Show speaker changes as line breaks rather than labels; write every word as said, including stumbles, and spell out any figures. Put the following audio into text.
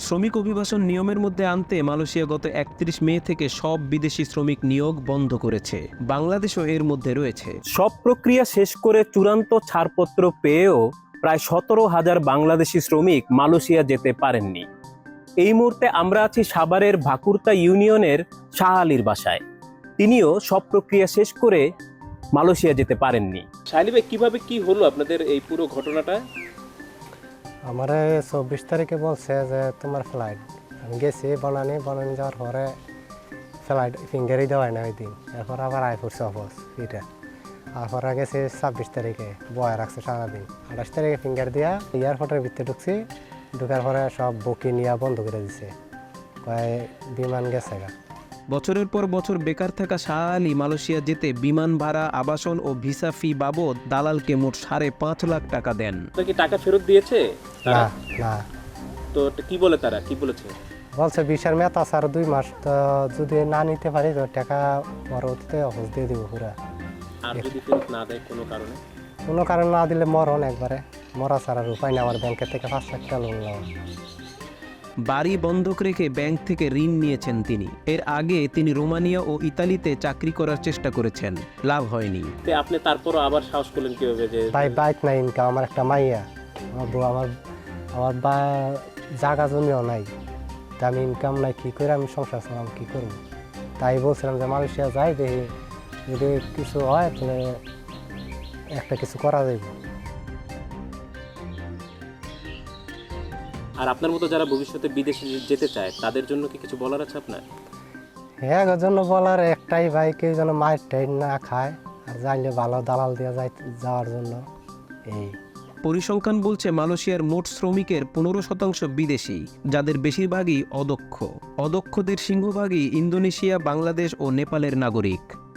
শ্রমিক অভিবাসন নিয়মের মধ্যে আনতে মালয়েশিয়া গত একত্রিশ মে থেকে সব বিদেশি শ্রমিক নিয়োগ বন্ধ করেছে। বাংলাদেশও এর মধ্যে রয়েছে।
সব প্রক্রিয়া শেষ করে চূড়ান্ত ছাড়পত্র পেয়েও প্রায় সতেরো হাজার বাংলাদেশি শ্রমিক মালয়েশিয়া যেতে পারেননি। এই মুহূর্তে আমরা আছি সাভারের ভাকুরতা ইউনিয়নের শাহ আলীর বাসায়। তিনিও সব প্রক্রিয়া শেষ করে মালয়েশিয়া যেতে পারেননি।
শাইলি ভাই, কিভাবে কি হলো আপনাদের এই পুরো ঘটনাটা?
আমার চব্বিশ তারিখে বলছে যে তোমার ফ্লাইট, আমি গেছি বনানি বনানি যাওয়ার পরে ফ্লাইট ফিঙ্গারই দেওয়ায় না ওই দিন। এরপর আবার আই পড়ছে অফিস এটা, তারপরে গেছি ছাব্বিশ তারিখে বয়া রাখছে সারাদিন। আঠাশ তারিখে ফিঙ্গার দিয়া এয়ারপোর্টের ভিতরে ঢুকছি, ঢুকার পরে সব বুকিং নিয়ে বন্ধ করে দিছে, কয় বিমান গেছে গা।
বছরের পর বছর বেকার থাকা শাহ আলী মালয়েশিয়া যেতে বিমান ভাড়া, আবাসন ও ভিসা ফি বাবদ দালালকে মোট সাড়ে পাঁচ লাখ টাকা দেন।
আপনার কি টাকা ফেরত দিয়েছে
না
তারা?
না,
তো কি বলে তারা, কি বলেছে?
বলছে বিশার মেয়াদ আছে আর দুই মাস, তো যদি না নিতে পারি তো টাকা পরবর্তীতে অফিস দিয়ে দিব পুরা।
আর যদি ফেরত না দেয় কোনো কারণে?
কোনো কারণ না দিলে মরণ একবারে, মরা ছাড়ার উপায় না। আমার ব্যাংকের থেকে পাঁচ লাখ টাকা লোন নেওয়া।
বাড়ি বন্ধক রেখে ব্যাংক থেকে ঋণ নিয়েছেন তিনি। এর আগে তিনি রোমানিয়া ও ইতালিতে চাকরি করার চেষ্টা করেছেন, লাভ হয়নি।
তো আপনি তারপরও আবার সাহস করলেন কিভাবে যে?
ভাই বাইক নাই, ইনকাম, আমার একটা মাইয়া, আমার বউ, আমার আমার বা জায়গা জমিও নাই, তা আমি ইনকাম নাই, কী করে আমি সংসার চালাম, কী করবো? তাই বলছিলাম যে মালয়েশিয়া যাই, দেখি যদি কিছু হয় তাহলে একটা কিছু করা যাবে।
আর আপনার মতো যারা ভবিষ্যতে বিদেশে যেতে চায় তাদের জন্য কি কিছু বলার আছে আপনার?
হ্যাঁ, ওর জন্য বলার একটাই, ভাই কেউ যেন মায়ের টাইম না খায়, আর জানলে ভালো দালাল দিয়ে যাই যাওয়ার জন্য। এই
পরিসংখ্যান বলছে মালয়েশিয়ার মোট শ্রমিকের পনেরো শতাংশ বিদেশি, যাদের বেশিরভাগই অদক্ষ। অদক্ষদের সিংহভাগই ইন্দোনেশিয়া, বাংলাদেশ ও নেপালের নাগরিক।